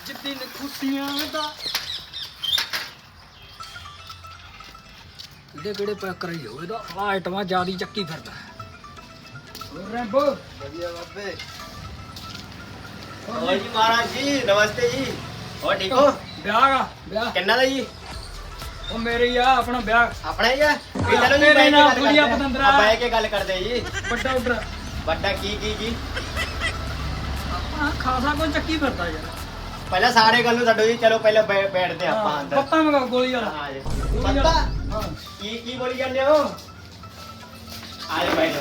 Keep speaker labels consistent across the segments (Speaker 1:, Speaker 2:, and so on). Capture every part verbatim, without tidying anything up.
Speaker 1: ਅੱਜ ਦਿਨ ਖੁਸ਼ੀਆਂ ਦਾ ਇਹਦੇ ਕਿਹੜੇ ਪੈਕ ਕਰਾਈ ਹੋ ਇਹਦਾ ਆ ਆਈਟਮਾਂ ਜਿਆਦੀ ਚੱਕੀ ਫਿਰਦਾ ਹੋਰ ਰੈਂਬੋ
Speaker 2: बढ़िया बाबे और जी महाराज जी नमस्ते जी और ठीक हो
Speaker 1: ਵਿਆਹ ਆ ਵਿਆਹ
Speaker 2: किन्ना दा जी
Speaker 1: ਉਹ ਮੇਰੇ ਹੀ ਆ ਆਪਣਾ ਵਿਆਹ
Speaker 2: अपना ही है भी चलो जी
Speaker 1: तेरे
Speaker 2: बैठ
Speaker 1: नाल
Speaker 2: के
Speaker 1: थोड़ी
Speaker 2: गल
Speaker 1: आप
Speaker 2: करते
Speaker 1: बंदरा।
Speaker 2: हैं बैठ के गल करते हैं जी
Speaker 1: ਵੱਡਾ ਆਰਡਰ
Speaker 2: बड़ा की की की
Speaker 1: ਆਪਣਾ ਖਾਸਾ ਕੋਈ ਚੱਕੀ ਫਿਰਦਾ ਯਾਰ
Speaker 2: पहले सारे गल नु छड्डो जी चलो पहले बै- बैठते हैं आप
Speaker 1: ਹਾਂ,
Speaker 2: अंदर
Speaker 1: ਪੱਤਾ ਮੰਗਾ ਗੋਲੀ ਵਾਲਾ
Speaker 2: हां जी
Speaker 1: ਗੋਲੀ
Speaker 2: पत्ता
Speaker 1: ਵਾਲਾ ਹਾਂ
Speaker 2: की की बोली जाने हो आज बैठो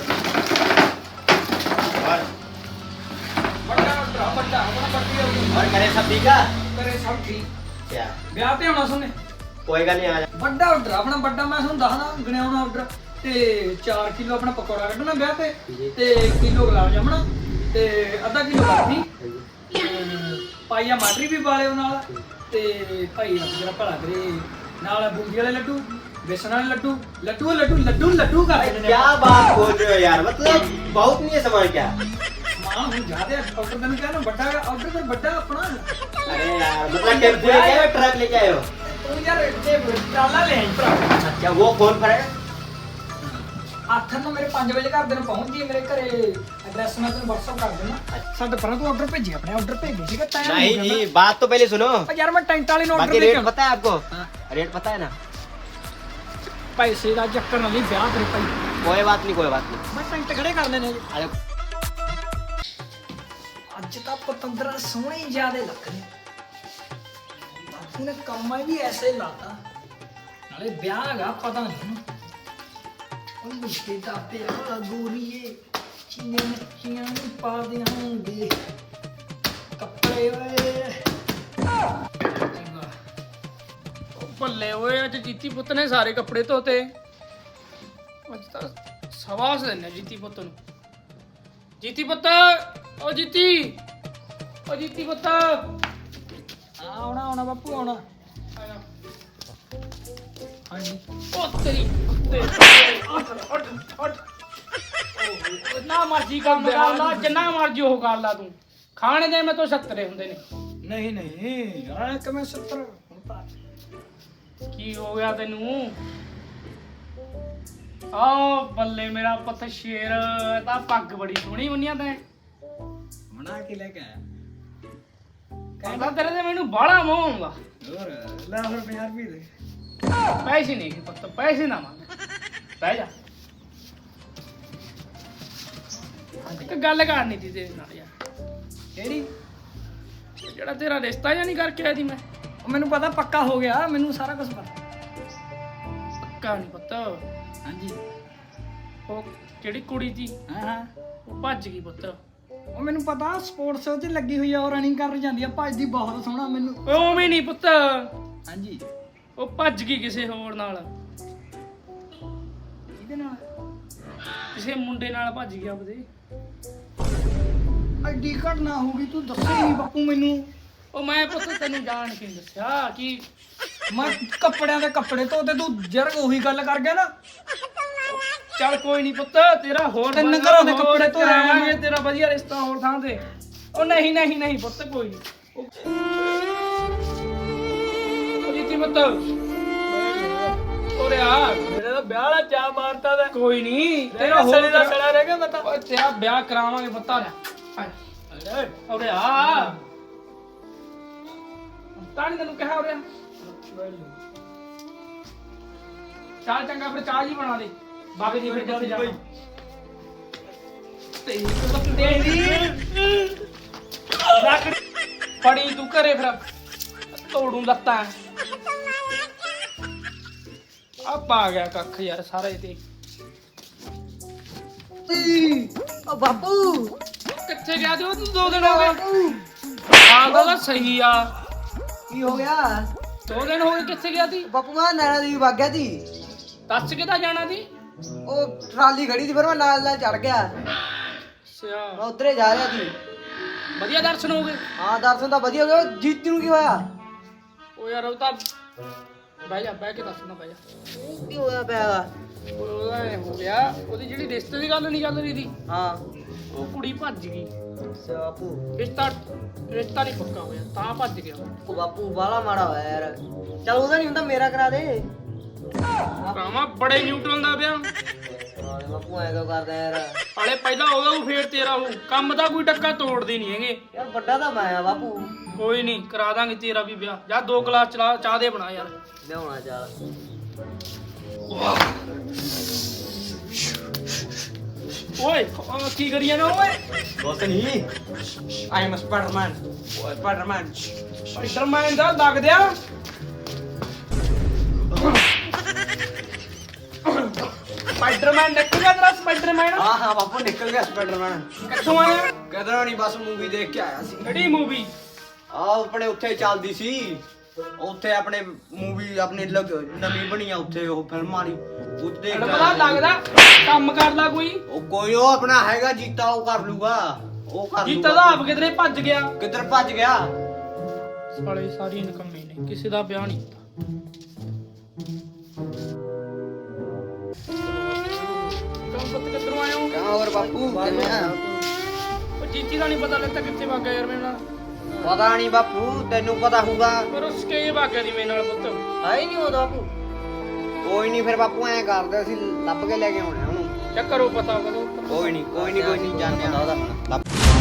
Speaker 2: और
Speaker 1: ਵੱਡਾ ਆਰਡਰ ਵੱਡਾ ਆਪਣਾ ਵੱਡੀ ਆਰਡਰ
Speaker 2: और करे सब ठीक है
Speaker 1: ਕਰੇ ਸਭ ਠੀਕ
Speaker 2: क्या
Speaker 1: ਵਿਆਹ ਤੇ ਆਉਣਾ ਸੁਣੇ
Speaker 2: कोई गल नहीं आ जा
Speaker 1: ਵੱਡਾ ਆਰਡਰ ਆਪਣਾ ਵੱਡਾ ਮੈਂ ਤੁਹਾਨੂੰ ਦੱਸਦਾ ਗਣਿਆਉਣਾ ਆਰਡਰ ਤੇ ਚਾਰ ਕਿਲੋ ਆਪਣਾ ਪਕੌੜਾ ਕੱਢਣਾ ਵਿਆਹ ਤੇ ਤੇ ਕਿਲੋ ਗੁਲਾਬ ਜਾਮਣਾ ਤੇ ਅੱਧਾ ਕਿਲੋ ਬਰਫੀ ਪਾਈਆ ਮਾਟਰੀ ਵੀ ਵਾਲਿਓ ਨਾਲ ਤੇ ਭਾਈ ਰੱਬ ਜਰਾ ਭਲਾ ਕਰੇ ਨਾਲ ਬੂੰਦੀ ਵਾਲੇ ਲੱਡੂ ਬੇਸਣ ਵਾਲੇ ਲੱਡੂ ਲੱਡੂ ਲੱਡੂ ਲੱਡੂ ਲੱਡੂ ਕਰ ਦੇਣੇ ਨੇ
Speaker 2: क्या बात बोल रहे हो यार मतलब बहुत नहीं है सामान क्या
Speaker 1: ਮਾਂ ਹੁਣ ਜ਼ਿਆਦਾ ਆਰਡਰ ਤੈਨੂੰ ਕਹਿਣਾ ਵੱਡਾ ਆਰਡਰ ਫਿਰ ਵੱਡਾ ਆਪਣਾ
Speaker 2: अरे यार मतलब टेम्पो लेके आए हो ट्रक लेके आए हो
Speaker 1: ਤੂੰ ਯਾਰ ਇੱਥੇ ਟਰਾਲਾ ਲੈ ਆਈ ਭਰਾ
Speaker 2: अच्छा वो फोन पर है
Speaker 1: ਆਥਰ ਨੂੰ ਮੇਰੇ ਪੰਜ ਵਜੇ ਘਰ ਦੇ ਨੂੰ ਪਹੁੰਚ ਜੀ ਮੇਰੇ ਘਰੇ ਐਡਰੈਸ ਮੈਂ ਤੈਨੂੰ WhatsApp ਕਰ ਦੇਣਾ ਸਾਡੇ ਪਰਾਂ ਤੂੰ ਆਰਡਰ ਭੇਜੀ ਆਪਣੇ ਆਰਡਰ ਭੇਜੇ ਸੀਗਾ ਤੈਂ
Speaker 2: नहीं जी बात तो पहले सुनो
Speaker 1: ਯਾਰ ਮੈਂ ਟੈਂਟ ਵਾਲੇ ਨੂੰ ਆਰਡਰ
Speaker 2: बाकी
Speaker 1: ਦੇ
Speaker 2: रेट
Speaker 1: ਕੇ
Speaker 2: पता है आपको
Speaker 1: हाँ।
Speaker 2: रेट पता है ना
Speaker 1: ਪੈਸੇ ਦਾ ਚੱਕਰ ਨਾਲ ਨਹੀਂ ਵਿਆਹ ਤੇਰੇ ਭਾਈ
Speaker 2: कोई बात नहीं कोई बात नहीं
Speaker 1: ਮੈਂ ਟੈਂਟ ਖੜੇ ਕਰ ਦੇਣੇ
Speaker 2: अरे
Speaker 1: ਅੱਜ ਤਾਂ ਪਤੰਦਰਾ ਸੋਹਣੇ ਹੀ ਜ਼ਿਆਦੇ ਲੱਗ ਰਹੇ ਬਾਪੂ ਨੇ ਕੰਮਾਂ ਵੀ ਐਸੇ ਹੀ ਲਾਤਾ ਨਾਲੇ ਵਿਆਹ ਹੈਗਾ ਪਤਾ ਨਹੀਂ ਇਹਨੂੰ ਉਹ ਮੁਸ਼ਕਿਲ ਦਾ ਪਿਆ ਗੋਰੀਏ ਚੀਨੇ ਮੱਛੀਆਂ ਨੂੰ ਪਾ ਦਿਆਂਗੇ ਕੱਪੜੇ ਓਏ
Speaker 3: ਭੱਲੇ ਓਏ ਅੱਜ ਜੀਤੀ ਪੁੱਤ ਨੇ ਸਾਰੇ ਕੱਪੜੇ ਧੋਤੇ ਅੱਜ ਤਾਂ ਸਵਾਸ ਦਿੰਨੇ ਜੀਤੀ ਪੁੱਤ ਨੂੰ ਜੀਤੀ ਪੁੱਤ ਓ ਜੀਤੀ ਓ ਜੀਤੀ ਪੁੱਤ
Speaker 1: ਆਉਣਾ ਆਉਣਾ ਬਾਪੂ ਆਉਣਾ
Speaker 3: ਆ ਜਾ।
Speaker 1: ਹਾਂਜੀ
Speaker 3: ਓ ਤੇਰੀ ਤੇ ਉੱਠ ਉੱਠ ਉੱਠ ਓ ਨਾ ਮਰਜੀ ਕੰਮ ਕਰ ਲਾ ਜਿੰਨਾ ਮਰਜੀ ਉਹ ਕਰ ਲਾ ਤੂੰ ਖਾਣੇ ਦੇ ਮੈਂ ਤੋਂ ਸੱਤਰੇ ਹੁੰਦੇ ਨੇ
Speaker 1: ਨਹੀਂ ਨਹੀਂ ਆ ਕਿਵੇਂ ਸੱਤਰ ਹੁਣ ਤਾਂ
Speaker 3: ਕੀ ਹੋ ਗਿਆ ਤੈਨੂੰ ਆ ਬੱਲੇ ਮੇਰਾ ਪੁੱਤ ਸ਼ੇਰ ਇਹ ਤਾਂ ਪੱਗ ਬੜੀ ਸੋਹਣੀ ਬੰਨਿਆ ਤੈਂ
Speaker 1: ਬਣਾ ਕੇ ਲੈ ਕੇ ਆਇਆ
Speaker 3: ਕਹਿੰਦਾ ਤੇਰੇ ਤੇ ਮੈਨੂੰ ਬਾਹਲਾ ਮੋਹ ਆਉਂਦਾ
Speaker 1: ਹੋਰ ਲੈ ਹੋਰ ਪੰਜਾਹ ਰੁਪਏ ਦੇ
Speaker 3: ਪੈਸੇ ਨਹੀਂ ਪੁੱਤ ਪੈਸੇ ਨਾ ਮੰਗ ਬਹਿ ਜਾ ਇੱਕ ਗੱਲ ਕਰਨੀ ਸੀ ਤੇਰੇ ਨਾਲ ਯਾਰ
Speaker 1: ਕਿਹੜੀ
Speaker 3: ਜਿਹੜਾ ਤੇਰਾ ਰਿਸ਼ਤਾ ਜਾਂ ਨਹੀਂ ਕਰਕੇ ਆਈ ਸੀ ਮੈਂ
Speaker 1: ਉਹ ਮੈਨੂੰ ਪਤਾ ਪੱਕਾ ਹੋ ਗਿਆ ਮੈਨੂੰ ਸਾਰਾ ਕੁਝ ਪਤਾ
Speaker 3: ਪੱਕਾ ਨਹੀਂ ਪੁੱਤ
Speaker 1: ਹਾਂਜੀ
Speaker 3: ਉਹ ਜਿਹੜੀ ਕੁੜੀ ਸੀ
Speaker 1: ਹਾਂ ਹਾਂ
Speaker 3: ਉਹ ਭੱਜ ਗਈ ਪੁੱਤ
Speaker 1: ਉਹ ਮੈਨੂੰ ਪਤਾ ਸਪੋਰਟਸ ਵਿੱਚ ਲੱਗੀ ਹੋਈ ਆ ਉਹ ਰਨਿੰਗ ਕਰਨ ਜਾਂਦੀ ਆ ਭੱਜਦੀ ਬਹੁਤ ਸੋਹਣਾ ਮੈਨੂੰ
Speaker 3: ਉਹ ਵੀ ਨਹੀਂ ਪੁੱਤ
Speaker 1: ਹਾਂਜੀ
Speaker 3: ਉਹ ਭੱਜ ਗਈ ਕਿਸੇ ਹੋਰ ਨਾਲ
Speaker 1: ਇਹਦੇ ਨਾਲ
Speaker 3: ਕਿਸੇ ਮੁੰਡੇ ਨਾਲ ਭੱਜ ਗਿਆ ਆਪਦੇ
Speaker 1: ਐਡੀ ਘਟਨਾ ਹੋ ਗਈ ਤੂੰ ਦੱਸੇ ਨਹੀਂ ਬਾਪੂ ਮੈਨੂੰ
Speaker 3: ਉਹ ਮੈਂ ਪੁੱਤ ਤੈਨੂੰ ਜਾਣ ਕੇ ਨੀ ਦੱਸਿਆ ਕਿ
Speaker 1: ਮੈਂ ਕੱਪੜਿਆਂ ਦੇ ਕੱਪੜੇ ਧੋਤੇ ਤੂੰ ਜਰਗ ਉਹੀ ਗੱਲ ਕਰ ਗਿਆ ਨਾ
Speaker 3: ਚੱਲ ਕੋਈ ਨਹੀਂ ਪੁੱਤ ਤੇਰਾ ਹੋਰ
Speaker 1: ਤਿੰਨ
Speaker 3: ਵਧੀਆ
Speaker 1: ਘਰਾਂ ਦੇ
Speaker 3: ਹੋਰ
Speaker 1: ਕੱਪੜੇ ਧੋਏ ਆ
Speaker 3: ਕਰਾਵਾਂਗੇ
Speaker 1: ਮੈਂ।
Speaker 3: ਤੇਰਾ ਵਧੀਆ ਰਿਸ਼ਤਾ ਹੋਰ ਥਾਂ ਤੇ ਉਹ ਨਹੀਂ ਨਹੀਂ ਨਹੀਂ ਪੁੱਤ ਕੋਈ ਨਹੀਂ ਉਹ ਜੀਤੀ ਪੁੱਤ ਓਰੇ ਆ
Speaker 1: ਮੇਰੇ ਤਾਂ ਵਿਆਹ ਵਾਲਾ ਚਾਹ ਮਾਰਤਾ ਦਾ
Speaker 3: ਕੋਈ ਨਹੀਂ
Speaker 1: ਤੇਰਾ
Speaker 3: ਤੇਰਾ
Speaker 1: ਸੜੇ
Speaker 3: ਹੋਰ
Speaker 1: ਦਾ ਸੜਾ ਰਹਿ ਗਿਆ ਮੈਂ ਤਾਂ
Speaker 3: ਓਏ ਤੇਰਾ ਵਿਆਹ ਕਰਾਵਾਂਗੇ ਪੁੱਤ ਆ ਜਾ ਓਰੇ ਆ ਤਾਂ ਨੀ ਤੈਨੂੰ ਕਿਹਾ ਓਰੇ ਚਾਹ ਚੰਗਾ ਫਿਰ ਚਾਹ ਜੀ ਬਣਾ ਦੇ ਬਾਬੇ ਦੀ ਫਿਰ ਜਿੱਥੇ ਜਾਣਾ ਤੇਰੀ ਪੁੱਤ ਤੇਰੀ ਲੱਕੜੀ ਫੜੀ ਤੂੰ ਘਰੇ ਫਿਰ ਤੋੜੂ ਲੱਤਾਂ ਆ ਪਾ ਗਿਆ ਕੱਖ ਯਾਰ ਸਾਰੇ ਤੇ
Speaker 1: ਓ ਬਾਪੂ
Speaker 3: ਕਿੱਥੇ ਗਿਆ ਤੂੰ ਤੂੰ ਦੋ ਦਿਨ ਹੋ ਗਏ ਆ ਗੱਲ ਸਹੀ ਆ
Speaker 4: ਕੀ ਹੋ ਗਿਆ
Speaker 3: ਦੋ ਦਿਨ ਹੋ ਗਏ ਕਿੱਥੇ ਗਿਆ ਸੀ
Speaker 4: ਬਾਪੂ ਮੈਂ ਨੈਣਾ ਦੇਵੀ ਵਗ ਗਿਆ ਸੀ
Speaker 3: ਦੱਸ ਕਿੱਦਾਂ ਜਾਣਾ ਸੀ
Speaker 4: ਉਹ ਟਰਾਲੀ ਖੜੀ ਸੀ ਫਿਰ ਮੈਂ ਨਾਲ ਨਾਲ ਚੜ ਗਿਆ
Speaker 3: ਸਿਆ
Speaker 4: ਮੈਂ ਉਧਰੇ ਜਾ ਰਿਹਾ ਸੀ
Speaker 3: ਵਧੀਆ ਦਰਸ਼ਨ ਹੋ ਗਏ
Speaker 4: ਹਾਂ ਦਰਸ਼ਨ ਤਾਂ ਵਧੀਆ ਹੋ ਗਿਆ ਜੀਤੀ ਨੂੰ ਕੀ ਹੋਇਆ
Speaker 3: ਉਹ ਯਾਰ ਉਹ ਤਾਂ ਬਹਿ ਜਾ ਬਹਿ ਕੇ ਦੱਸਣਾ ਬਹਿ ਜਾ
Speaker 4: ਕੀ ਹੋਇਆ ਪਿਆ ਗਾ?
Speaker 3: ਉਹਦਾ ਇਹ ਹੋ ਗਿਆ ਉਹਦੀ ਜਿਹੜੀ ਰਿਸ਼ਤੇ ਦੀ ਗੱਲ ਨਹੀਂ ਚੱਲ ਰਹੀ ਸੀ
Speaker 4: ਹਾਂ
Speaker 3: ਉਹ ਕੁੜੀ ਭੱਜ ਗਈ।
Speaker 4: ਅੱਛਾ ਬਾਪੂ।
Speaker 3: ਰਿਸ਼ਤਾ ਰਿਸ਼ਤਾ ਨਹੀਂ ਪੱਕਾ ਹੋਇਆ ਤਾਂ ਭੱਜ ਗਿਆ।
Speaker 4: ਉਹ ਬਾਪੂ ਬਾਲਾ ਮਾੜਾ ਹੋਇਆ ਯਾਰ। ਚੱਲ ਉਹਦਾ ਨਹੀਂ ਹੁੰਦਾ ਮੇਰਾ ਕਰਾ ਦੇ।
Speaker 3: ਕਾਮਾ ਬੜੇ ਨਿਊਟਰਲ ਦਾ ਵਿਆਹ।
Speaker 4: ਹਾਂ ਬਾਪੂ ਐਂ ਕਿਉਂ ਕਰਦਾ ਯਾਰ।
Speaker 3: ਹਾਲੇ ਪਹਿਲਾਂ ਉਹਦਾ ਉਹ ਫੇਰ ਤੇਰਾ ਉਹ ਕੰਮ ਦਾ ਕੋਈ ਟੱਕਾ ਤੋੜਦੇ ਨਹੀਂ ਹੈਗੇ।
Speaker 4: ਯਾਰ ਵੱਡਾ ਤਾਂ ਮੈਂ ਆ ਬਾਪੂ।
Speaker 3: ਕੋਈ ਨਹੀਂ ਕਰਾ ਦਾਂਗੇ ਤੇਰਾ ਵੀ ਵਿਆਹ। ਜਾ ਦੋ ਗਲਾਸ ਚਲਾ ਚਾਹ ਦੇ ਬਣਾ ਯਾਰ।
Speaker 4: ਲਿਆਉਣਾ ਚੱਲ।
Speaker 3: ਓਏ ਅਹ ਕੀ ਕਰੀ ਜਾਣਾ ਓਏ?
Speaker 2: ਕੁਛ ਨਹੀਂ I am Spiderman Spiderman
Speaker 3: Spiderman ਦਾ ਲੱਗ ਦਿਆ। ਸਪਾਈਡਰਮੈਨ ਨਿਕਲ ਗਿਆ ਤੇਰਾ ਸਪਾਈਡਰਮੈਨ।
Speaker 2: ਹਾਂ ਹਾਂ ਬਾਪੂ ਨਿਕਲ ਗਿਆ ਸਪਾਈਡਰਮੈਨ।
Speaker 3: ਕਿੱਥੋਂ ਆਇਆ?
Speaker 2: ਕਿਧਰੋਂ ਨਹੀਂ ਬਸ ਮੂਵੀ ਦੇਖ ਕੇ ਆਇਆ ਸੀ।
Speaker 3: ਕਿਹੜੀ ਮੂਵੀ?
Speaker 2: ਆ ਆਪਣੇ ਉੱਥੇ ਚੱਲਦੀ ਸੀ ਉੱਥੇ ਆਪਣੇ ਮੂਵੀ ਆਪਣੀ ਲਗ- ਨਵੀਂ ਬਣੀ ਆ ਉੱਥੇ ਉਹ ਫਿਲਮ ਵਾਲੀ ਉੱਥੇ ਦੇਖ ਕੇ
Speaker 3: ਪਤਾ
Speaker 2: ਆਇਆ ਸੀ।
Speaker 3: ਲੱਗਦਾ ਕੰਮ ਕਰ ਲਾ ਕੋਈ।
Speaker 2: ਉਹ ਕੋਈ ਉਹ ਆਪਣਾ ਹੈਗਾ ਜੀਤਾ ਉਹ ਕਰ ਲੂਗਾ ਉਹ ਕਰ
Speaker 3: ਜੀਤਾ
Speaker 2: ਲੂਗਾ।
Speaker 3: ਦਾ ਆਪ ਕਿਧਰੇ ਭੱਜ ਗਿਆ।
Speaker 2: ਕਿੱਧਰ ਭੱਜ ਗਿਆ?
Speaker 3: ਸਾਲੇ ਸਾਰੀ ਨਕਮੇ ਨੇ ਕਿਸੇ ਦਾ ਵਿਆਹ ਨਹੀਂ ਹੁੰਦਾ। ਕੰਮ ਪੁੱਤ ਕਿੱਧਰੋਂ ਆਏ ਹੋ?
Speaker 4: ਕਹਾਂ ਹੋਰ ਬਾਪੂ ਕਿਵੇਂ ਆ?
Speaker 3: ਉਹ ਜੀਤੀ ਦਾ ਨਹੀਂ ਪਤਾ ਲੱਗਦਾ ਕਿੱਥੇ ਵਗ ਗਿਆ ਯਾਰ ਮੇਰੇ ਨਾਲ।
Speaker 4: ਪਤਾ ਨਹੀਂ ਬਾਪੂ ਤੈਨੂੰ ਪਤਾ ਹੋਊਗਾ।
Speaker 3: ਪਰ ਉਸ ਕੇ ਵਗ ਗਿਆ ਦੀ ਮੇਰੇ ਨਾਲ ਪੁੱਤ।
Speaker 4: ਹੈ ਹੀ ਨਹੀਂ ਉਹ ਬਾਪੂ। ਕੋਈ ਨਹੀਂ ਫਿਰ ਬਾਪੂ ਐਂ ਕਰਦੇ ਅਸੀਂ ਲੱਭ ਕੇ ਲੈ ਕੇ ਆਉਣੇ ਆ ਉਹਨੂੰ।
Speaker 3: ਚੱਕਰੋ ਪਤਾ ਕਰੋ।
Speaker 2: ਕੋਈ ਨਹੀਂ ਕੋਈ ਨਹੀਂ ਕੋਈ ਨਹੀਂ ਜਾਣਿਆ
Speaker 4: ਉਹਦਾ